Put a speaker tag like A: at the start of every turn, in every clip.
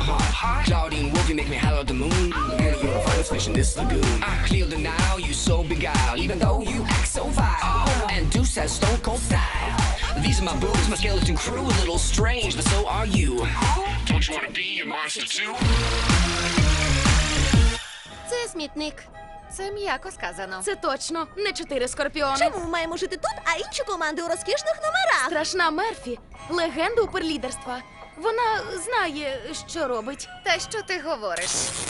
A: heart. Claudine Wolf, you make me holler at the moon. Girl, you're a finest fish in this lagoon. I clear the now, you so beguiled, even though you act so vile. And Deuce has stone cold style. These are my boobs, my skeleton crew, a little strange, but so are you. Don't you wanna be a monster too?
B: Це смітник.
C: Це м'яко сказано.
D: Це точно не 4 скорпіони.
B: Чому маємо жити тут, а інші команди у розкішних номерах?
D: Страшна Мерфі – легенда уперлідерства. Вона знає, що робить.
C: Та що ти говориш?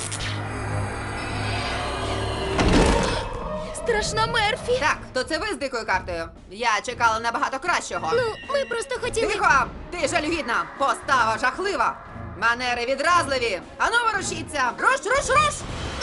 D: Страшна Мерфі!
E: Так, то це ви з дикою картою. Я чекала набагато кращого.
B: Ну, ми просто хотіли...
E: Тихо! Ти жалюгідна! Постава жахлива! Манери відразливі! Ану, ворушіться! Руш, руш, руш!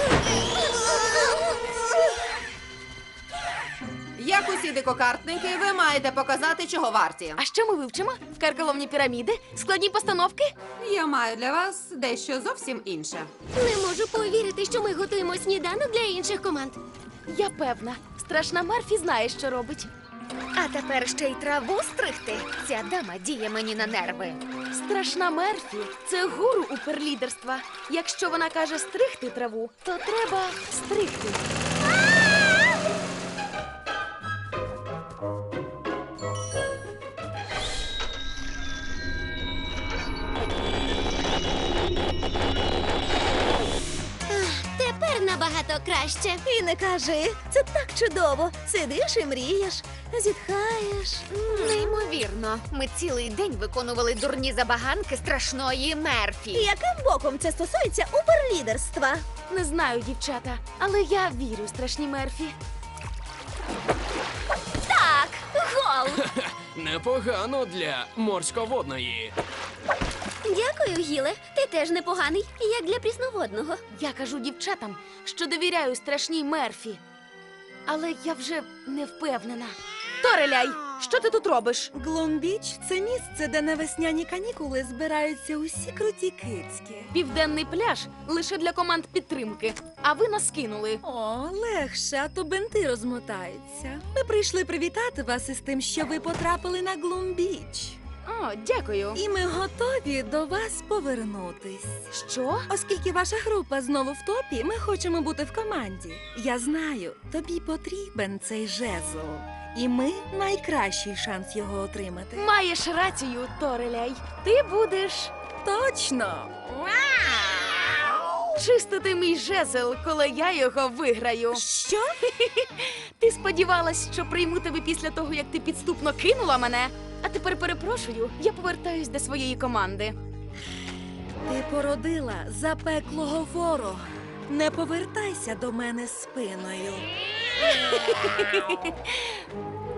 E: Як усі дикокартники, ви маєте показати, чого варті.
D: А що ми вивчимо? Вкарколомні піраміди? Складні постановки?
E: Я маю для вас дещо зовсім інше.
B: Не можу повірити, що ми готуємо сніданок для інших команд.
D: Я певна. Страшна Мерфі знає, що робить.
C: А тепер ще й траву стригти. Ця дама діє мені на нерви.
D: Страшна Мерфі – це гуру уперлідерства. Якщо вона каже стригти траву, то треба стригти.
B: Тепер набагато краще. І не кажи, це так чудово. Сидиш і мрієш, зітхаєш.
C: Неймовірно. Ми цілий день виконували дурні забаганки страшної Мерфі.
B: Яким боком це стосується уперлідерства?
D: Не знаю, дівчата, але я вірю страшній Мерфі.
B: Так, гол.
F: Непогано для морсьководної.
B: Дякую, Гіле. Ти теж непоганий, як для прісноводного.
D: Я кажу дівчатам, що довіряю страшній Мерфі. Але я вже не впевнена. Тореляй, що ти тут робиш?
G: Глумбіч – це місце, де на весняні канікули збираються усі круті кицьки.
D: Південний пляж лише для команд підтримки, а ви нас кинули.
G: О, легше, а то бенти розмотаються. Ми прийшли привітати вас із тим, що ви потрапили на Глумбіч.
D: О, дякую.
G: І ми готові до вас повернутись.
D: Що?
G: Оскільки ваша група знову в топі, ми хочемо бути в команді. Я знаю, тобі потрібен цей жезл. І ми найкращий шанс його отримати.
D: Маєш рацію, Тореляй. Ти будеш
G: Точно!
D: чистити мій жезл, коли я його виграю.
G: Що?
D: Ти сподівалась, що прийму тебе після того, як ти підступно кинула мене? А тепер перепрошую, я повертаюсь до своєї команди.
G: Ти породила запеклого ворога. Не повертайся до мене спиною.